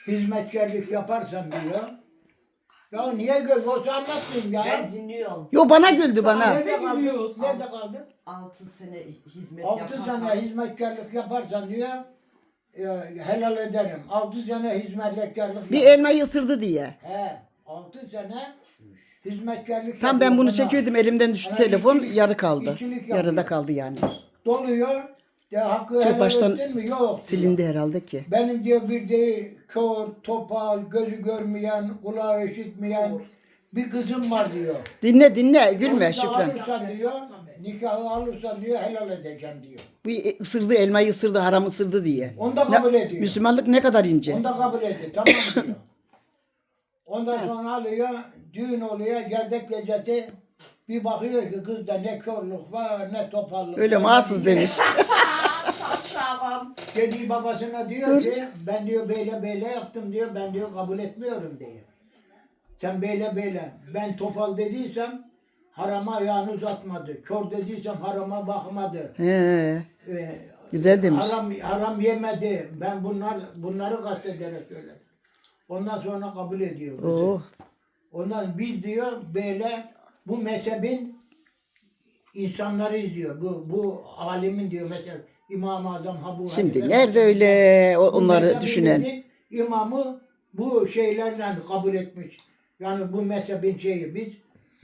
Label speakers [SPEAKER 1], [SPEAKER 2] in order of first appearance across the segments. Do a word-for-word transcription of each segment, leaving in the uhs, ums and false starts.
[SPEAKER 1] hizmetkarlık yaparsan diyor. Ya niye göz olsa anlatmayayım ya.
[SPEAKER 2] Ben dinliyorum.
[SPEAKER 3] Yo bana güldü bana.
[SPEAKER 1] Nerede kaldı? Nerede kaldı?
[SPEAKER 2] Altı sene hizmet
[SPEAKER 1] Altı
[SPEAKER 2] yaparsan.
[SPEAKER 1] sene hizmetkarlık yaparsan diyor. e, helal ederim. Altı sene hizmetkarlık
[SPEAKER 3] Bir
[SPEAKER 1] yap-
[SPEAKER 3] elmayı ısırdı diye.
[SPEAKER 1] He. Altı sene hizmetkarlık
[SPEAKER 3] Tam ben
[SPEAKER 1] yapıyor
[SPEAKER 3] bunu
[SPEAKER 1] bana.
[SPEAKER 3] çekiyordum, elimden düştü
[SPEAKER 1] Ana,
[SPEAKER 3] telefon,
[SPEAKER 1] işçilik-
[SPEAKER 3] yarı kaldı.
[SPEAKER 1] işçilik yapıyor.
[SPEAKER 3] Yarıda kaldı yani.
[SPEAKER 1] Doluyor. De hakkı
[SPEAKER 3] Tüh,
[SPEAKER 1] helal
[SPEAKER 3] baştan
[SPEAKER 1] ettin mi? Yok. diyor.
[SPEAKER 3] Silindi herhalde ki.
[SPEAKER 1] Benim diyor bir de kör, topal, gözü görmeyen, kulağı işitmeyen bir kızım var diyor.
[SPEAKER 3] Dinle dinle, gülme
[SPEAKER 1] Onu da
[SPEAKER 3] Şükran.
[SPEAKER 1] alırsan diyor, nikahı alırsan diyor helal edeceğim diyor.
[SPEAKER 3] Bu ısırdı, elmayı ısırdı, haram ısırdı diye.
[SPEAKER 1] Onu da
[SPEAKER 3] Ne-
[SPEAKER 1] kabul ediyor.
[SPEAKER 3] Müslümanlık ne kadar ince.
[SPEAKER 1] Onu da kabul ediyor. Tamam diyor. Ondan sonra alıyor, düğün oluyor, gerdek gecesi bir bakıyor ki kızda ne körlük var, ne topallık
[SPEAKER 3] Öyle
[SPEAKER 1] var.
[SPEAKER 3] mahsus demiş.
[SPEAKER 2] Tamam.
[SPEAKER 1] Dediği babasına diyor
[SPEAKER 3] Dur.
[SPEAKER 1] ki ben diyor böyle böyle yaptım diyor, ben diyor kabul etmiyorum diyor. Sen böyle böyle, ben topal dediysem harama ayağını uzatmadı. Kör dediysem harama bakmadı.
[SPEAKER 3] He,
[SPEAKER 1] Ee,
[SPEAKER 3] güzel demiş.
[SPEAKER 1] haram, haram yemedi. Ben bunlar bunları kastederek söyledim. Ondan sonra kabul ediyor bizi.
[SPEAKER 3] Oh.
[SPEAKER 1] Ondan biz diyor böyle bu mezhebin insanları diyor. Bu bu alimin diyor mesela İmam-ı Azam Habu
[SPEAKER 3] Şimdi
[SPEAKER 1] Hanife
[SPEAKER 3] nerede öyle o-
[SPEAKER 1] bu
[SPEAKER 3] onları
[SPEAKER 1] mezhebin
[SPEAKER 3] düşünen?
[SPEAKER 1] imamı bu şeylerle kabul etmiş. Yani bu mezhebin şeyi biz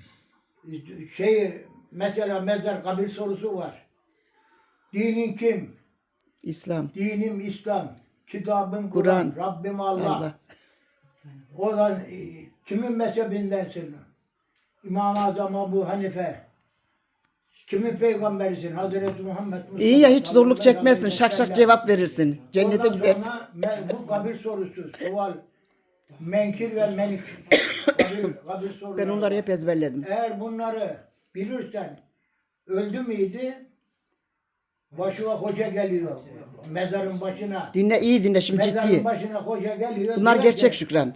[SPEAKER 1] şeyi mesela mezar kabir sorusu var. Dinin kim?
[SPEAKER 3] İslam.
[SPEAKER 1] Dinim İslam. Kitabım Kur'an.
[SPEAKER 3] Kur'an.
[SPEAKER 1] Rabbim Allah.
[SPEAKER 3] Allah.
[SPEAKER 1] O da e, kimin mezhebindensin? İmam-ı Azam Ebu Hanife. Kimin peygamberisin? Hazreti Muhammed Mustafa.
[SPEAKER 3] İyi ya, hiç zorluk
[SPEAKER 1] sallallahu
[SPEAKER 3] çekmezsin.
[SPEAKER 1] aleyhi ve
[SPEAKER 3] Şak şak
[SPEAKER 1] sellem.
[SPEAKER 3] cevap verirsin. Cennete
[SPEAKER 1] Ondan
[SPEAKER 3] gidersin.
[SPEAKER 1] sonra me- bu kabir sorusu, sual, menkir ve menik kabir, kabir soruları.
[SPEAKER 3] Ben onları hep ezberledim.
[SPEAKER 1] Eğer bunları bilirsen öldü müydü? Başına hoca geliyor. Mezarın başına.
[SPEAKER 3] Dinle, iyi dinle, şimdi
[SPEAKER 1] Mezarın
[SPEAKER 3] ciddi.
[SPEAKER 1] başına hoca geliyor.
[SPEAKER 3] Bunlar
[SPEAKER 1] diyor
[SPEAKER 3] gerçek
[SPEAKER 1] ki,
[SPEAKER 3] Şükran.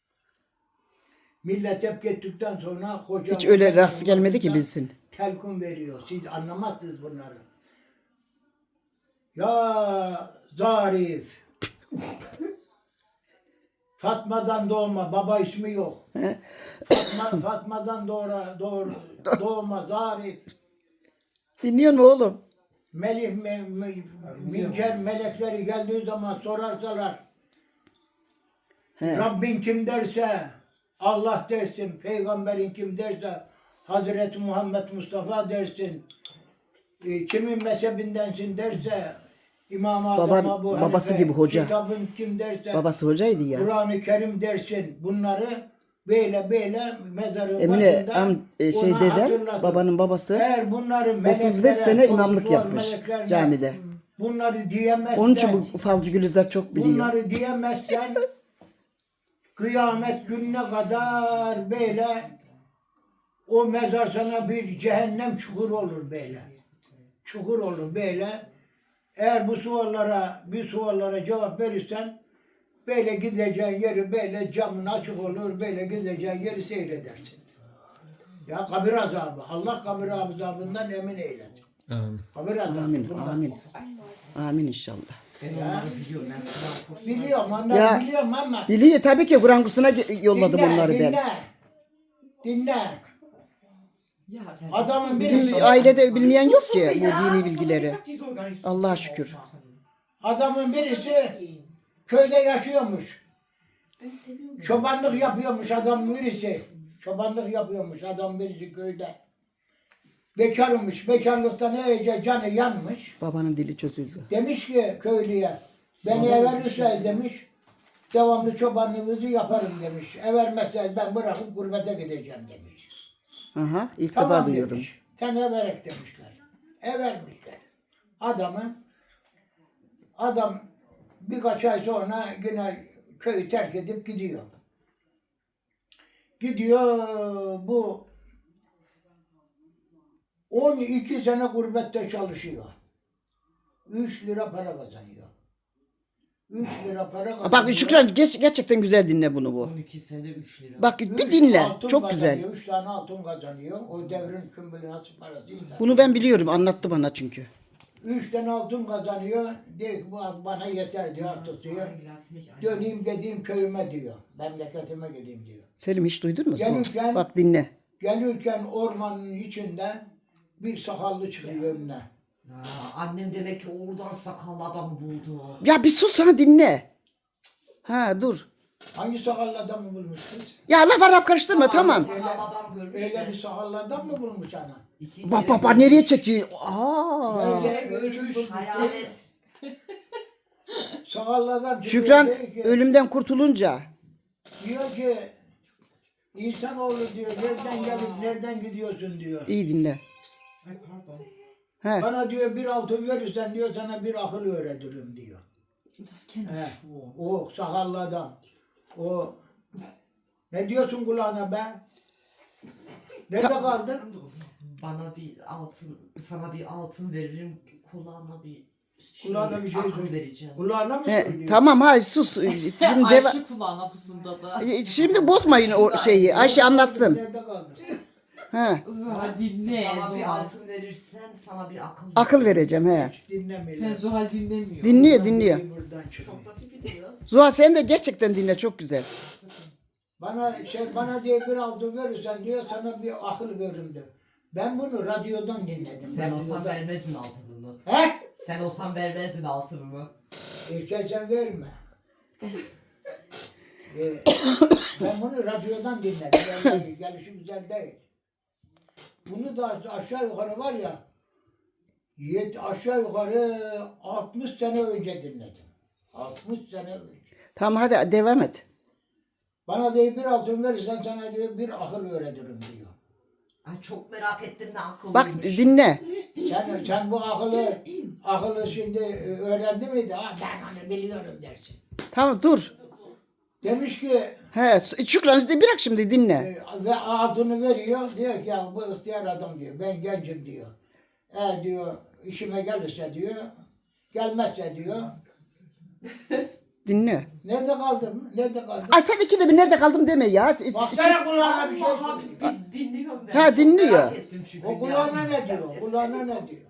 [SPEAKER 1] millet hep gittikten sonra hoca...
[SPEAKER 3] Hiç öyle
[SPEAKER 1] hoca
[SPEAKER 3] rast gelmedi ki
[SPEAKER 1] başına
[SPEAKER 3] bilsin.
[SPEAKER 1] Telkin veriyor. Siz anlamazsınız bunları. Ya Zarif. Fatma'dan doğma. Baba ismi yok. Fatma, Fatma'dan doğra, doğru, doğma Zarif.
[SPEAKER 3] Dinliyor mu oğlum?
[SPEAKER 1] Melih, me, me, minker melekleri geldiği zaman sorarsalar
[SPEAKER 3] He.
[SPEAKER 1] Rabbin kim derse Allah dersin, peygamberin kim derse Hazreti Muhammed Mustafa dersin, e, kimin mezhebindensin derse İmam-ı Azam
[SPEAKER 3] Baban-
[SPEAKER 1] Ebu
[SPEAKER 3] babası
[SPEAKER 1] Hanife,
[SPEAKER 3] gibi hoca.
[SPEAKER 1] kitabın kim derse
[SPEAKER 3] Babası hocaydı ya.
[SPEAKER 1] Kur'an-ı Kerim dersin. Bunları böyle böyle mezarın
[SPEAKER 3] Emine
[SPEAKER 1] başında
[SPEAKER 3] am, e, şey
[SPEAKER 1] ona
[SPEAKER 3] deden,
[SPEAKER 1] hatırlatın.
[SPEAKER 3] babanın babası
[SPEAKER 1] Eğer bunları
[SPEAKER 3] otuz beş
[SPEAKER 1] meleklere,
[SPEAKER 3] sene imamlık
[SPEAKER 1] sorgusu
[SPEAKER 3] yapmış
[SPEAKER 1] meleklerine
[SPEAKER 3] camide.
[SPEAKER 1] Bunları diyemezsen,
[SPEAKER 3] Onun için bu falcı Gülizar çok biliyor.
[SPEAKER 1] bunları diyemezsen kıyamet gününe kadar böyle o mezar sana bir cehennem çukur olur böyle. Çukur olur böyle. Eğer bu suallara, bir suallara cevap verirsen böyle gideceğin yeri böyle camın açık olur, böyle gideceğin yeri seyredersin. Ya kabir azabı. Allah kabir azabından emin eylesin.
[SPEAKER 4] Amin.
[SPEAKER 1] Kabir azabı.
[SPEAKER 3] Amin,
[SPEAKER 1] bundan.
[SPEAKER 3] amin. Amin inşallah.
[SPEAKER 2] Ben onları biliyorum. Ben Kur'an kursuna
[SPEAKER 1] Biliyorum, onları
[SPEAKER 3] Ya,
[SPEAKER 1] biliyorum ama
[SPEAKER 3] Biliyor tabii ki, Kur'an kursuna ge- yolladım
[SPEAKER 1] dinle,
[SPEAKER 3] onları ben.
[SPEAKER 1] dinle. Dinle.
[SPEAKER 2] Ya sen
[SPEAKER 1] Adamın
[SPEAKER 3] Bizim
[SPEAKER 1] birisi,
[SPEAKER 3] ailede bilmeyen yok ki bu dini bilgileri. Allah'a şükür.
[SPEAKER 1] adamın birisi köyde yaşıyormuş. Çobanlık yapıyormuş adam birisi. Çobanlık yapıyormuş adam birisi köyde. Bekarmış. Bekarlıktan iyice canı yanmış.
[SPEAKER 3] Babanın dili çözüldü.
[SPEAKER 1] Demiş ki köylüye, beni everirse demiş, devamlı çobanlığınızı yaparım demiş. Evermezse ben bırakıp gurbete gideceğim demiş.
[SPEAKER 3] Aha, ilk defa
[SPEAKER 1] Tamam
[SPEAKER 3] duyuyorum.
[SPEAKER 1] demiş. Sen everek demişler. Evermişler. Adamı, adam birkaç ay sonra yine köyü terk edip gidiyor. Gidiyor bu on iki sene gurbette çalışıyor. üç lira para kazanıyor. üç lira para kazanıyor.
[SPEAKER 3] Bak Şükran, geç, gerçekten güzel dinle bunu bu.
[SPEAKER 2] on iki sene üç lira.
[SPEAKER 3] Bak
[SPEAKER 1] Üç
[SPEAKER 3] bir dinle.
[SPEAKER 1] altın
[SPEAKER 3] Çok güzel.
[SPEAKER 1] kazanıyor, üç tane altın kazanıyor. O devrin kümbülası parası.
[SPEAKER 3] Bunu ben biliyorum. Anlattı bana çünkü.
[SPEAKER 1] Üçten altın kazanıyor. Diyor ki bu bana yeter diyor artık diyor. Döneyim gideyim köyüme diyor. Memleketime gideyim diyor.
[SPEAKER 3] Selim hiç duydun mu?
[SPEAKER 1] Gelirken-
[SPEAKER 3] Bak dinle.
[SPEAKER 1] Gelirken ormanın içinden bir sakallı çıkıyor önüne.
[SPEAKER 2] Ha, annem demek ki oradan sakallı adamı buldu.
[SPEAKER 3] Ya bir sus ha dinle. Ha dur.
[SPEAKER 1] Hangi sakallı adamı bulmuş kız?
[SPEAKER 3] Ya laf arap karıştırma tamam.
[SPEAKER 2] Sakallı adam görmüş
[SPEAKER 1] Öyle
[SPEAKER 2] de.
[SPEAKER 1] bir sakallı adam mı bulmuş ana?
[SPEAKER 2] İki
[SPEAKER 3] Bak
[SPEAKER 2] kere
[SPEAKER 3] bak bak
[SPEAKER 2] görmüş.
[SPEAKER 3] nereye çekiyor? Aa.
[SPEAKER 1] Nereye
[SPEAKER 2] Görmüş hayalet.
[SPEAKER 1] Sakallı adam çıkıyor,
[SPEAKER 3] Şükran
[SPEAKER 1] diyor ki,
[SPEAKER 3] ölümden kurtulunca.
[SPEAKER 1] diyor ki İnsanoğlu diyor nereden gelip nereden gidiyorsun diyor.
[SPEAKER 3] İyi dinle.
[SPEAKER 2] Ay pardon.
[SPEAKER 3] He.
[SPEAKER 1] Bana diyor bir altın verirsen diyor sana bir akıl öğretirim diyor.
[SPEAKER 2] Das kenne
[SPEAKER 1] He.
[SPEAKER 2] ich schon.
[SPEAKER 1] O sakallı adam. O ne diyorsun kulağına be? Nerede kaldın?
[SPEAKER 2] Bana bir altın, sana bir altın veririm, kulağına bir şey,
[SPEAKER 1] Kulağına bir şey
[SPEAKER 2] akıl
[SPEAKER 1] söyle.
[SPEAKER 2] vereceğim.
[SPEAKER 1] Kulağına mı
[SPEAKER 3] He,
[SPEAKER 1] söylüyor?
[SPEAKER 3] tamam hay sus. Şimdi deva-
[SPEAKER 4] Ayşe kulağına fısıldadı.
[SPEAKER 3] Şimdi bozmayın o şeyi. Ayşe anlatsın.
[SPEAKER 1] Nerede kaldın?
[SPEAKER 3] He.
[SPEAKER 4] Zuhal dinle.
[SPEAKER 2] Bana bir
[SPEAKER 4] Zuhal.
[SPEAKER 2] altın verirsen sana bir akıl
[SPEAKER 3] Akıl vereceğim he.
[SPEAKER 1] Hiç dinlemiyorlar.
[SPEAKER 4] He, Zuhal dinlemiyor.
[SPEAKER 3] Dinliyor dinliyor.
[SPEAKER 1] Buradan çıkıyor.
[SPEAKER 2] Çok da fifi diyor.
[SPEAKER 3] Zuhal sen de gerçekten dinle çok güzel.
[SPEAKER 1] Bana şey bana diye bir altın verirsen diyor sana bir akıl veririm diyor. Ben bunu radyodan dinledim.
[SPEAKER 2] Sen olsan
[SPEAKER 1] radyodan.
[SPEAKER 2] vermezdin altınını.
[SPEAKER 1] He?
[SPEAKER 2] Sen olsan vermezdin altınını.
[SPEAKER 1] Erkeğe sen verme. Ee, ben bunu radyodan dinledim. Yani gelişi güzel değil. Bunu da aşağı yukarı var ya yet, aşağı yukarı altmış sene önce dinledim. altmış sene önce.
[SPEAKER 3] Tamam hadi devam et.
[SPEAKER 1] Bana diyor bir altın verirsen sana diyor bir akıl öğretirim diyor.
[SPEAKER 2] Ay çok merak ettim ne akıllıymış.
[SPEAKER 3] Bak dinle.
[SPEAKER 1] Sen, sen bu akıllı akıllı şimdi öğrendi miydi? Ah ben onu biliyorum dersin.
[SPEAKER 3] Tamam dur.
[SPEAKER 1] Demiş ki
[SPEAKER 3] He Şükran bırak şimdi dinle.
[SPEAKER 1] e, ve altını veriyor. Diyor ki ya bu ihtiyar adam diyor. Ben gencim diyor. Eğer diyor işime gelirse diyor. Gelmezse diyor.
[SPEAKER 3] Dinle.
[SPEAKER 1] Nerede kaldım? Nerede kaldım?
[SPEAKER 3] Ay sen ikide bir nerede kaldım deme ya.
[SPEAKER 1] Baksana kulağına bir şey
[SPEAKER 2] Allah
[SPEAKER 1] söylüyor.
[SPEAKER 2] bir dinliyorum ben.
[SPEAKER 3] Ha,
[SPEAKER 2] Çok
[SPEAKER 3] dinliyor.
[SPEAKER 2] Merak ettim çünkü.
[SPEAKER 1] O kulağına ne diyor? Kulağına ne diyor?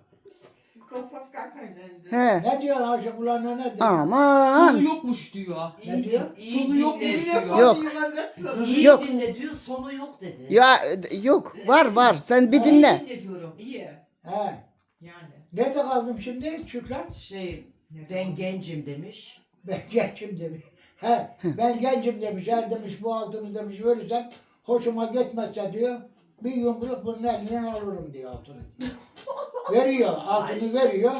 [SPEAKER 3] He.
[SPEAKER 1] Ne diyor Ayşe kulağına ne diyor?
[SPEAKER 4] Sonu
[SPEAKER 3] Aman.
[SPEAKER 4] yokmuş diyor.
[SPEAKER 2] İyi,
[SPEAKER 1] Ne diyor?
[SPEAKER 2] din- iyi
[SPEAKER 4] Sonu yok
[SPEAKER 2] dinle
[SPEAKER 4] diyor.
[SPEAKER 2] diyor.
[SPEAKER 3] Yok.
[SPEAKER 2] İyi
[SPEAKER 3] Yok.
[SPEAKER 2] dinle diyor, sonu yok dedi.
[SPEAKER 3] Ya e, yok var var sen bir dinle.
[SPEAKER 2] İyi dinle diyorum, iyi.
[SPEAKER 1] He.
[SPEAKER 4] Yani.
[SPEAKER 1] Nerede kaldım şimdi Şükran?
[SPEAKER 2] Şey, ben gencim demiş.
[SPEAKER 1] Ben gencim demiş. He, ben gencim demiş. Eğer demiş bu altını demiş verirsem hoşuma gitmezse diyor bir yumruk bunun elinden alırım diyor altını. Veriyor, altını veriyor.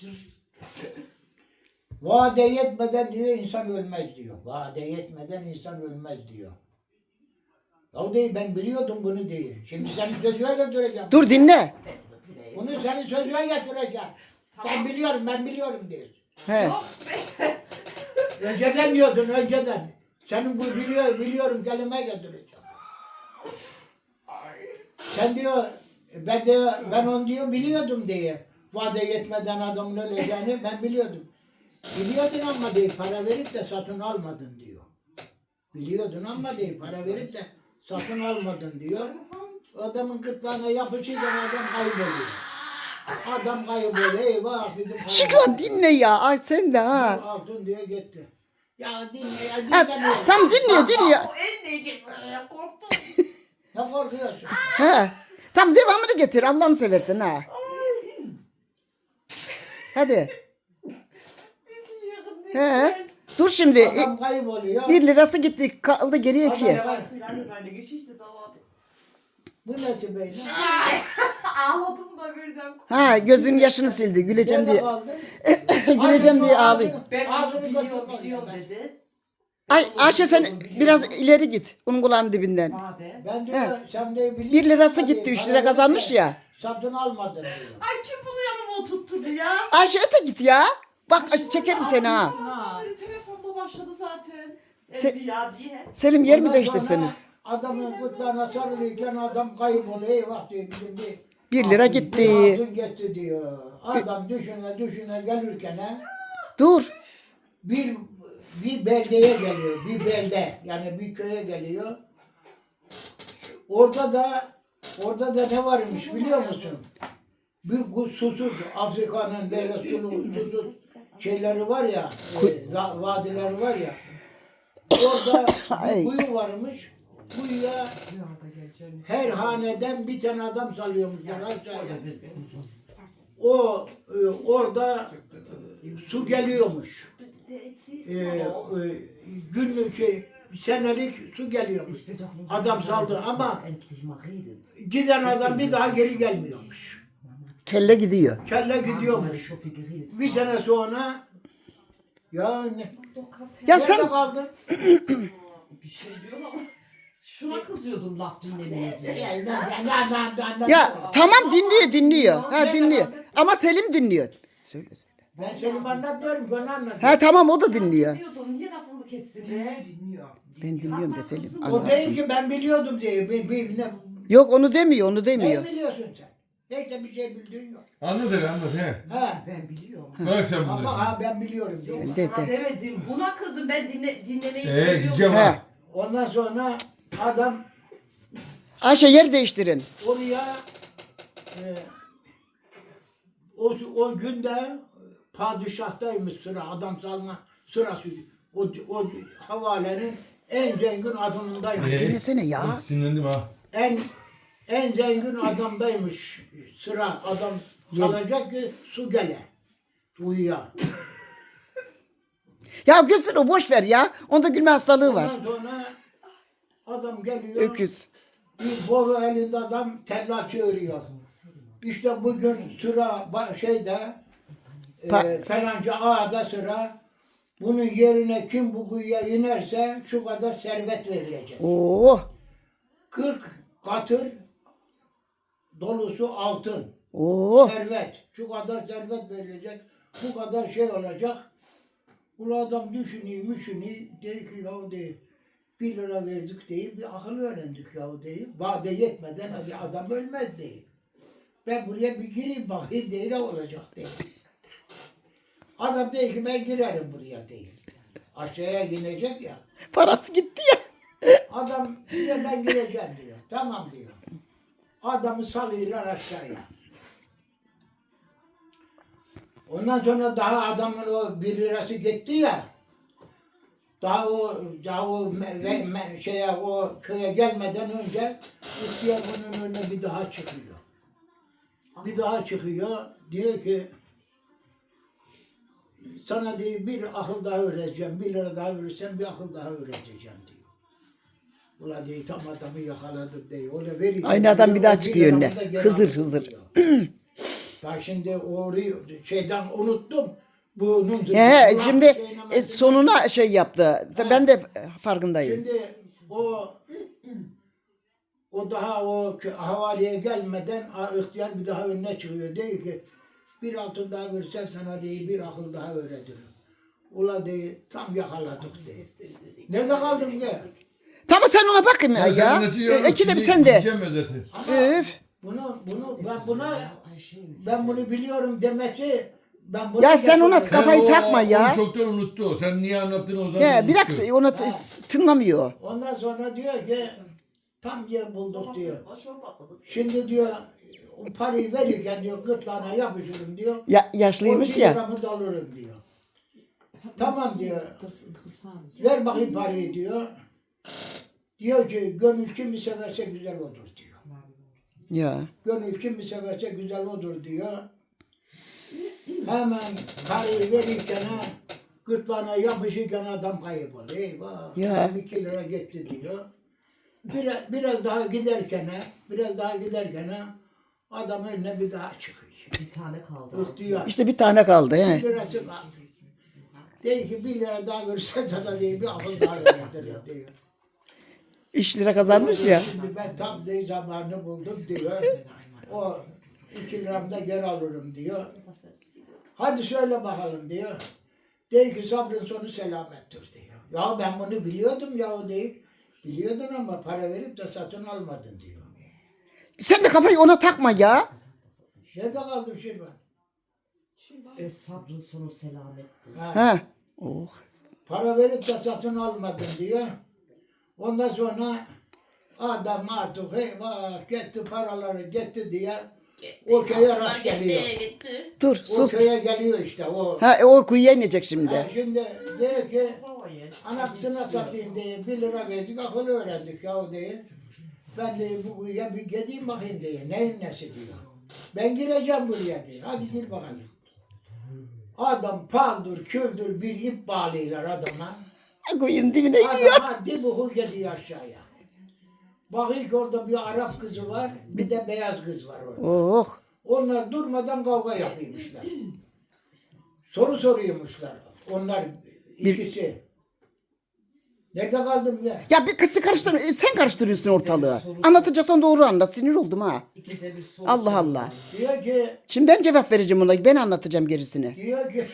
[SPEAKER 1] Vade yetmeden diyor insan ölmez diyor. Vade yetmeden insan ölmez diyor. Ya değil ben biliyordum bunu diyor. Şimdi senin sözüne getireceğim.
[SPEAKER 3] Dur dinle.
[SPEAKER 1] Bunu senin sözüne getireceğim. Ben biliyorum, ben biliyorum diyor.
[SPEAKER 3] He.
[SPEAKER 1] Önceden diyordun, önceden. Senin bu biliyor, biliyorum kelime getireceğim. Sen diyor, ben diyor, ben onu diyor biliyordum diye. Vade yetmeden adamın öleceğini ben biliyordum. Biliyordun ama diye para verip de satın almadın diyor. Biliyordun ama diye para verip de satın almadın diyor. Adamın gırtlağına yapışınca adam kayboluyor. Adam kayboluyor. Eyvah bizim para-
[SPEAKER 3] Şükran dinle ya. Ay sen de ha.
[SPEAKER 1] Altın diyor gitti. Ya dinle ya
[SPEAKER 3] Ha,
[SPEAKER 1] dinlemiyor.
[SPEAKER 3] tam dinliyor dinliyor.
[SPEAKER 2] O el neydi? Ee, Korktum.
[SPEAKER 1] Ne korkuyorsun?
[SPEAKER 3] He. Tam devamını getir Allah'ını seversen ha. Hadi. He. Dur şimdi. E,
[SPEAKER 1] Adam kayboluyor.
[SPEAKER 3] Bir lirası gitti kaldı geriye iki.
[SPEAKER 1] Adam-
[SPEAKER 2] Seine Geschichte dauert.
[SPEAKER 1] Bu nasıl böyle?
[SPEAKER 2] Ağladım da birden.
[SPEAKER 3] Ha gözünün yaşını sildi güleceğim
[SPEAKER 1] Nerede
[SPEAKER 3] diye.
[SPEAKER 1] kaldın?
[SPEAKER 3] Güleceğim diye ağlıyor.
[SPEAKER 2] Ben
[SPEAKER 1] Ağzını
[SPEAKER 2] biliyorum,
[SPEAKER 1] kapat-
[SPEAKER 2] biliyorum dedi.
[SPEAKER 3] Ay Ayşe sen biraz ileri git. Onun kulağının dibinden.
[SPEAKER 2] Vade.
[SPEAKER 1] Ben diyor sen de biliyorsun.
[SPEAKER 3] Bir lirası
[SPEAKER 1] Hadi,
[SPEAKER 3] gitti. Üç
[SPEAKER 1] para
[SPEAKER 3] lira
[SPEAKER 1] verip
[SPEAKER 3] kazanmış
[SPEAKER 1] de
[SPEAKER 3] ya.
[SPEAKER 1] Satın almadın diyor.
[SPEAKER 2] Ay kim bunu yanıma oturtturdu ya?
[SPEAKER 3] Ayşe öte git ya. Bak ay, çekerim seni ha.
[SPEAKER 2] Sabahtan beri telefonda başladı zaten.
[SPEAKER 3] Se-
[SPEAKER 2] Evliya diye.
[SPEAKER 3] Selim yer mi
[SPEAKER 1] Ondan
[SPEAKER 3] değiştirseniz?
[SPEAKER 1] sonra Adamın gırtlağına sarılırken adam kayboluyor. Eyvah diyor bizim bir.
[SPEAKER 3] Bir lira
[SPEAKER 1] altın-
[SPEAKER 3] gitti.
[SPEAKER 1] Bir altın gitti diyor. Adam düşüne düşüne gelirken he,
[SPEAKER 3] Dur.
[SPEAKER 1] bir bir beldeye geliyor. Bir belde yani bir köye geliyor. Orada da orada da ne varmış biliyor musun? Bir bu susuz Afrika'nın böyle sulu susuz şeyleri var ya, e, va- vadileri var ya. Orada
[SPEAKER 3] Ay.
[SPEAKER 1] bir kuyu varmış. Kuyuya
[SPEAKER 2] Rüyada geleceğim.
[SPEAKER 1] her haneden bir tane adam salıyormuşlar aşağıya.
[SPEAKER 2] Rezil.
[SPEAKER 1] O e, orada e, su geliyormuş. E, e, günlük şey senelik su geliyormuş. Adam saldı ama giden adam bir daha geri gelmiyormuş.
[SPEAKER 3] Kelle gidiyor.
[SPEAKER 1] Kelle gidiyormuş. Bir sene sonra ya ne?
[SPEAKER 3] Ya
[SPEAKER 1] Nerede
[SPEAKER 3] sen
[SPEAKER 1] kaldın?
[SPEAKER 2] Bir şey diyorum ama şuna kızıyordum laf dinlemeye diye.
[SPEAKER 1] Ya, ne- ne- ne- ne- ne-
[SPEAKER 3] ya tamam dinliyor dinliyor. Ha dinliyor. Ama Selim dinliyor. Söyle söyle.
[SPEAKER 1] Ben Selim anlatmıyorum, ben anlatıyorum.
[SPEAKER 3] Ha tamam o da dinliyor.
[SPEAKER 2] Dinliyordum, niye lafımı kestin be?
[SPEAKER 3] Ben dinliyorum da Selim
[SPEAKER 1] O değil
[SPEAKER 3] anlatsın.
[SPEAKER 1] ki ben biliyordum diye. Bir, bir, ne,
[SPEAKER 3] Yok onu demiyor onu demiyor.
[SPEAKER 1] ne biliyorsun sen? Hiç de bir şey bildiğin yok.
[SPEAKER 5] Anlat hele anlat he.
[SPEAKER 1] Ha.
[SPEAKER 2] Ben biliyorum.
[SPEAKER 5] Bırak sen bunları.
[SPEAKER 1] Ama ha ben biliyorum diye.
[SPEAKER 3] Sen de
[SPEAKER 2] Sana
[SPEAKER 3] de.
[SPEAKER 2] demedim. Buna kızım ben dinle, dinlemeyi
[SPEAKER 5] Ee
[SPEAKER 2] seviyorum.
[SPEAKER 5] gideceğim
[SPEAKER 3] He.
[SPEAKER 5] ha.
[SPEAKER 1] Ondan sonra adam
[SPEAKER 3] Ayşe yer değiştirin.
[SPEAKER 1] oraya e, o, o günde padişahtaymış sıra, adam salma sırası. O, o havalenin en zengin adamındaymış.
[SPEAKER 5] Ee,
[SPEAKER 3] Dinlesene ya.
[SPEAKER 5] Sinirlendim ha.
[SPEAKER 1] En en zengin adamdaymış sıra. Adam salacak ki su gele. Uyuya.
[SPEAKER 3] Ya gülsün o boş ver ya. Onda gülme hastalığı var.
[SPEAKER 1] Ondan sonra adam geliyor.
[SPEAKER 3] Öküz.
[SPEAKER 1] Bir boru elinde adam tella çığırıyor. İşte bugün sıra ba- şeyde e,
[SPEAKER 3] Pa-
[SPEAKER 1] falanca ağada sıra. Bunun yerine kim bu kuyuya inerse şu kadar servet verilecek.
[SPEAKER 3] Oo.
[SPEAKER 1] kırk katır dolusu altın.
[SPEAKER 3] Oo.
[SPEAKER 1] Servet. Şu kadar servet verilecek. Bu kadar şey olacak. Ulu adam düşünüyor, düşünüyor. Diyor ki ya diyor, bir lira verdik diye bir akıl öğrendik ya diye. Vade yetmeden bir adam ölmez diye. Ben buraya bir gireyim bakayım diye ne olacak diye. Adam diyor ki ben girerim buraya diye. Aşağıya inecek ya.
[SPEAKER 3] Parası gitti ya.
[SPEAKER 1] Adam diyor ben gireceğim diyor. Tamam diyor. Adamı salıyorlar aşağıya. Ondan sonra daha adamın o bir lirası gitti ya. Daha o daha o me, ve, me, şeye o köye gelmeden önce ihtiyar bunun önüne bir daha çıkıyor. Bir daha çıkıyor. Diyor ki sana diyor bir akıl daha öğreteceğim. Bir lira daha verirsen bir akıl daha öğreteceğim diyor. Ula diyor tam adamı yakaladım diyor. Öyle veriyor.
[SPEAKER 3] Aynı adam bir daha
[SPEAKER 1] O
[SPEAKER 3] çıkıyor
[SPEAKER 1] liramı
[SPEAKER 3] önüne.
[SPEAKER 1] da geri
[SPEAKER 3] Hızır,
[SPEAKER 1] aldım
[SPEAKER 3] hızır.
[SPEAKER 1] diyor. Ben şimdi orayı şeyden unuttum. Bunun
[SPEAKER 3] He
[SPEAKER 1] Ulan
[SPEAKER 3] şimdi
[SPEAKER 1] şeyin
[SPEAKER 3] e, sonuna şey yaptı. Ben de farkındayım.
[SPEAKER 1] Şimdi o o daha o kö- havaliye gelmeden a- ihtiyar bir daha önüne çıkıyor. Diyor ki bir altın daha versem sana diye bir akıl daha öğretirim. Ula diye tam yakaladık diye. Nerede kaldım ki?
[SPEAKER 3] Tamam sen ona bakayım ya.
[SPEAKER 5] Ben sen
[SPEAKER 3] ya.
[SPEAKER 5] anlatıyorum,
[SPEAKER 3] E, İki de bir
[SPEAKER 5] şimdi
[SPEAKER 3] sen de.
[SPEAKER 5] gideceğim özeti.
[SPEAKER 3] Öf.
[SPEAKER 1] Bunu bunu ben buna ben bunu biliyorum demesi ben bunu
[SPEAKER 3] Ya sen ona
[SPEAKER 1] yapıyorum.
[SPEAKER 3] Kafayı
[SPEAKER 5] Sen o-
[SPEAKER 3] takma ya.
[SPEAKER 5] Onu çoktan unuttu o. Sen niye anlattığını o zaman
[SPEAKER 3] Ya
[SPEAKER 5] unuttu.
[SPEAKER 3] bırak onu t- tınlamıyor.
[SPEAKER 1] Ondan sonra diyor ki tam yer bulduk diyor. Şimdi diyor o parayı verirken diyor gırtlağına yapışırım diyor.
[SPEAKER 3] Ya, yaşlıymış
[SPEAKER 1] on bir
[SPEAKER 3] ya.
[SPEAKER 1] liramı da alırım diyor. Tamam diyor. Ver bakayım parayı diyor. Diyor ki gönül kimi severse güzel olur diyor.
[SPEAKER 3] Ya.
[SPEAKER 1] Gönül kimi severse güzel olur diyor. Hemen parayı verirken ha, gırtlağına yapışırken adam kayboluyor. Eyvah.
[SPEAKER 3] Ya.
[SPEAKER 1] iki lira gitti diyor. Biraz, biraz daha giderken ha, biraz daha giderken ha, adam önüne bir daha çıkıyor.
[SPEAKER 2] Bir tane kaldı.
[SPEAKER 1] İhtiyar.
[SPEAKER 3] İşte bir tane kaldı.
[SPEAKER 1] Bir
[SPEAKER 3] He.
[SPEAKER 1] lirası kaldı. Diyor ki bir lira daha verirse sana diye bir akıl daha öğretirim diyor.
[SPEAKER 3] Üç lira kazanmış ya.
[SPEAKER 1] Şimdi ben tam diye zamanını buldum diyor. O iki liramı da geri alırım diyor. Hadi söyle bakalım diyor. Diyor ki sabrın sonu selamettir diyor. Ya ben bunu biliyordum ya o deyip. Biliyordun ama para verip de satın almadın diyor.
[SPEAKER 3] Sen de kafayı ona takma ya.
[SPEAKER 1] Nerede kaldım şimdi ben?
[SPEAKER 2] E, sabrın sonu selamettir.
[SPEAKER 1] Ha,
[SPEAKER 3] Ha. Oh.
[SPEAKER 1] para verip de satın almadın diyor. Ondan sonra adam artık eyvah gitti paraları gitti diye O köye
[SPEAKER 2] Altınlar
[SPEAKER 1] rast
[SPEAKER 2] gitti,
[SPEAKER 1] geliyor.
[SPEAKER 2] gitti.
[SPEAKER 3] Dur
[SPEAKER 1] O
[SPEAKER 3] sus.
[SPEAKER 1] köye geliyor işte o.
[SPEAKER 3] Ha o kuyuya inecek
[SPEAKER 1] Ha,
[SPEAKER 3] şimdi.
[SPEAKER 1] şimdi diyor ki anasına satayım diye bir lira verdik akıl öğrendik ya diye. Ben de bu kuyuya bir gideyim bakayım diye. Neyin nesi diyor. Ben gireceğim buraya diyor. Hadi gir bakalım. Adam paldır küldür bir ip bağlıyorlar adama.
[SPEAKER 3] Kuyunun dibine iniyor.
[SPEAKER 1] Adama dibuhu gidiyor aşağıya. Bakıyor ki orada bir Arap kızı var, bir de beyaz kız var orada.
[SPEAKER 3] Oh.
[SPEAKER 1] Onlar durmadan kavga yapıyormuşlar. Soru soruyormuşlar. Onlar ikisi. Nerede kaldım ya?
[SPEAKER 3] Ya bir kızı karıştır, sen karıştırıyorsun ortalığı. Anlatacaksan doğru anlat. Sinir oldum ha.
[SPEAKER 2] İkide bir soru
[SPEAKER 3] Allah
[SPEAKER 2] soruyor.
[SPEAKER 3] Allah.
[SPEAKER 1] Diyor ki,
[SPEAKER 3] Şimdi ben cevap vereceğim ona. Ben anlatacağım gerisini.
[SPEAKER 1] diyor ki,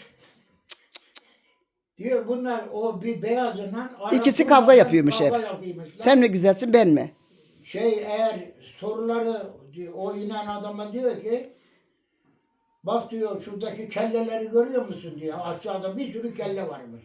[SPEAKER 1] diyor bunlar o bir beyazından Arap
[SPEAKER 3] İkisi
[SPEAKER 1] durmadan
[SPEAKER 3] kavga yapıyormuş
[SPEAKER 1] kavga
[SPEAKER 3] hep.
[SPEAKER 1] yapıyormuşlar.
[SPEAKER 3] Sen mi güzelsin ben mi?
[SPEAKER 1] Şey eğer soruları diyor, o inen adama diyor ki bak diyor şuradaki kelleleri görüyor musun diyor. Aşağıda bir sürü kelle varmış.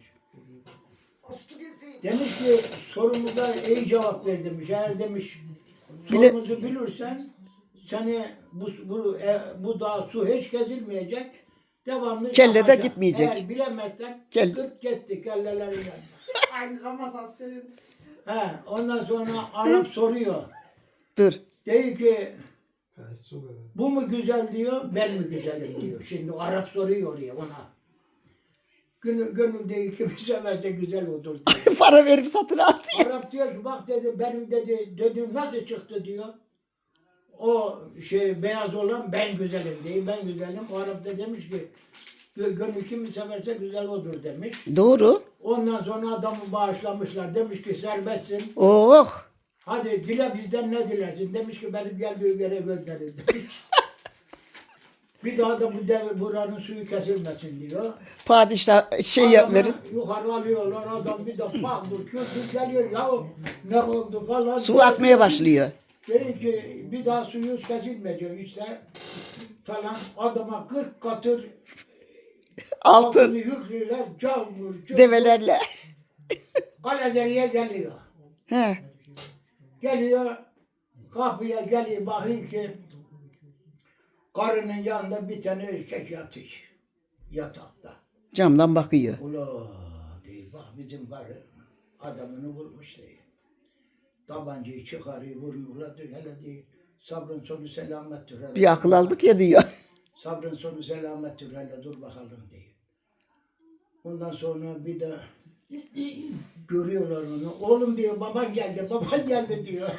[SPEAKER 1] Demiş ki sorumuza iyi cevap ver demiş. Eğer demiş
[SPEAKER 3] Bile-
[SPEAKER 1] sorumuzu bilirsen seni bu, bu, e, bu dağ su hiç gezilmeyecek. Devamlı
[SPEAKER 3] Kelle de
[SPEAKER 1] yapacak.
[SPEAKER 3] gitmeyecek.
[SPEAKER 1] Eğer bilemezsen
[SPEAKER 3] Kelle-
[SPEAKER 1] kırk gitti kelleleriyle.
[SPEAKER 4] Aynı Ramazan senin.
[SPEAKER 1] He, ondan sonra Arap soruyor.
[SPEAKER 3] Dur.
[SPEAKER 1] Diyor ki bu mu güzel diyor, ben mi güzelim diyor. Şimdi Arap soruyor oraya ona. Gönül, gönül diyor ki bir severse güzel olur diyor.
[SPEAKER 3] Para verip satın al.
[SPEAKER 1] Arap diyor ki bak dedi benim dedi dediğim nasıl çıktı diyor. O şey beyaz olan ben güzelim diyor, ben güzelim. O Arap da demiş ki "Gö- gönül kimi severse güzel olur demiş.
[SPEAKER 3] Doğru.
[SPEAKER 1] Ondan sonra adamı bağışlamışlar. Demiş ki serbestsin.
[SPEAKER 3] Oh.
[SPEAKER 1] Hadi dile bizden ne dilersin? Demiş ki benim geldiğim yere gönderin demiş. Bir daha da bu dev, buranın suyu kesilmesin diyor.
[SPEAKER 3] Padişah şey yap
[SPEAKER 1] Adamı
[SPEAKER 3] verir.
[SPEAKER 1] yukarı alıyorlar adam bir de paldır küldür geliyor ya ne oldu falan.
[SPEAKER 3] Su akmaya başlıyor.
[SPEAKER 1] Diyor ki bir daha suyu kesilmeyecek işte falan adama kırk katır
[SPEAKER 3] Altın.
[SPEAKER 1] altını yüklüyorlar camur cumur
[SPEAKER 3] Develerle.
[SPEAKER 1] Kalederiye geliyor.
[SPEAKER 3] He.
[SPEAKER 1] Geliyor kapıya geliyor bakıyor ki karının yanında bir tane erkek yatıyor yatakta.
[SPEAKER 3] Camdan bakıyor.
[SPEAKER 1] Ula diyor bak bizim karı adamını vurmuş diyor. Tabancayı çıkarıyor vurmuyorlar diyor hele diyor sabrın sonu selamettir hele.
[SPEAKER 3] Bir akıl aldık ya diyor.
[SPEAKER 1] Sabrın sonu selamettir hele dur bakalım diyor. Ondan sonra bir de görüyorlar onu. Oğlum diyor baban geldi baban geldi diyor.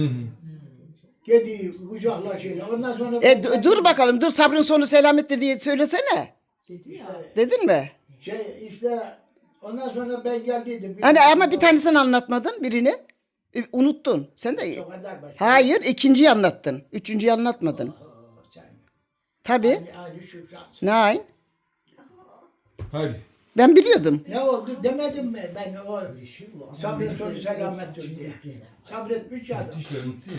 [SPEAKER 1] Gidiyor kucaklaşıyor. Ondan sonra
[SPEAKER 3] E du- dur bakalım dur sabrın sonu selamettir diye söylesene.
[SPEAKER 4] Dedi ya.
[SPEAKER 1] İşte,
[SPEAKER 3] Dedin mi?
[SPEAKER 1] şey işte ondan sonra ben geldiydim.
[SPEAKER 3] Hani ama bir tanesini anlatmadın birini. E, Unuttun. Sen de
[SPEAKER 1] O kadar başka.
[SPEAKER 3] hayır ikinciyi anlattın. Üçüncüyü anlatmadın.
[SPEAKER 1] Oo, sen.
[SPEAKER 3] Tabii.
[SPEAKER 1] Aynı, aynı şükran.
[SPEAKER 3] Nein.
[SPEAKER 5] Hadi.
[SPEAKER 3] Ben biliyordum.
[SPEAKER 1] Ne oldu demedim mi ben o sabrın sonu selamettir diye. Sabretmiş ya adam.
[SPEAKER 5] İşte bitti.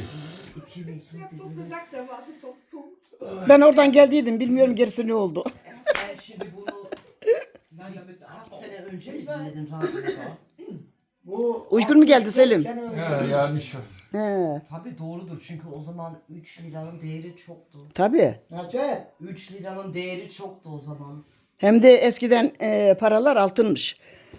[SPEAKER 4] Çok uzak da vardı çok çok.
[SPEAKER 3] Ben oradan geldiydim. Bilmiyorum gerisi ne oldu.
[SPEAKER 2] Sen şimdi bunu kaç sene önce mi dinledin radyoda?
[SPEAKER 1] Bu
[SPEAKER 3] Uygun mu geldi Selim?
[SPEAKER 1] Sene önce.
[SPEAKER 5] Ha yanlış var.
[SPEAKER 3] He.
[SPEAKER 2] Tabii doğrudur çünkü o zaman üç liranın değeri çoktu.
[SPEAKER 3] Tabii.
[SPEAKER 1] Nasıl?
[SPEAKER 2] üç liranın değeri çoktu o zaman.
[SPEAKER 3] Hem de eskiden e, paralar altınmış.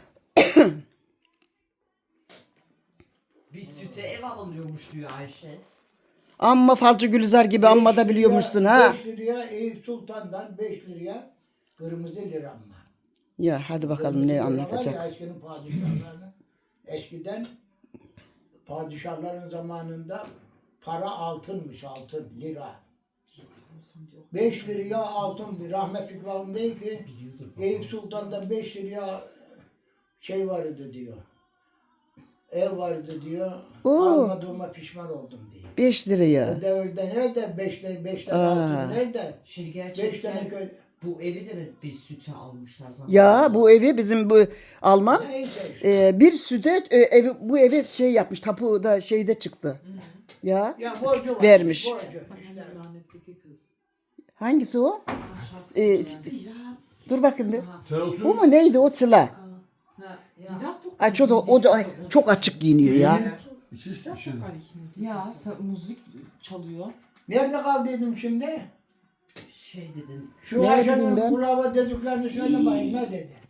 [SPEAKER 2] Bir süte ev alınıyormuş diyor Ayşe.
[SPEAKER 3] Amma falcı Gülizar gibi amma da biliyormuşsun ha.
[SPEAKER 1] beş liraya Eyüp Sultan'dan beş liraya kırmızı lira mı?
[SPEAKER 3] Ya hadi bakalım
[SPEAKER 1] Kırmızı
[SPEAKER 3] ne
[SPEAKER 1] lira var
[SPEAKER 3] anlatacak.
[SPEAKER 1] ya eskinin padişahlarının. Eskiden padişahların zamanında para altınmış altın lira. beş liraya altın bir rahmetli kralım değil ki Eyüp Sultan'da beş liraya şey vardı diyor. Ev vardı diyor.
[SPEAKER 3] Oo.
[SPEAKER 1] Almadığıma pişman oldum diyor.
[SPEAKER 3] Beş liraya.
[SPEAKER 1] O devirde nerede beş lira beş tane
[SPEAKER 3] Aa.
[SPEAKER 1] altın nerede?
[SPEAKER 2] Şimdi
[SPEAKER 1] Beş
[SPEAKER 2] gerçekten
[SPEAKER 1] tane köy.
[SPEAKER 2] bu evi de mi bir süte almışlar zaten?
[SPEAKER 3] Ya bu evi bizim bu Alman
[SPEAKER 1] Neyse işte.
[SPEAKER 3] e, bir süde e, evi, bu evi şey yapmış. Tapu da şeyde çıktı. Ya
[SPEAKER 1] Ya borcu var.
[SPEAKER 3] vermiş.
[SPEAKER 1] Borcu. İşte.
[SPEAKER 4] Rahmetteki kız.
[SPEAKER 3] hangisi o? E, dur bakayım bir.
[SPEAKER 5] Sen otur.
[SPEAKER 3] Bu mu neydi o Sıla?
[SPEAKER 4] Ha, ya.
[SPEAKER 3] Ay çok da, o da ay, çok açık giyiniyor ya.
[SPEAKER 5] İşte işte.
[SPEAKER 4] Ya sa- müzik çalıyor.
[SPEAKER 1] Nerede kaldıydım şimdi?
[SPEAKER 2] şey dedin.
[SPEAKER 1] Şu
[SPEAKER 3] Ne
[SPEAKER 1] Ayşe'nin
[SPEAKER 3] bileyim ben?
[SPEAKER 1] kulağıma dediklerini söyle bakayım ne dedi?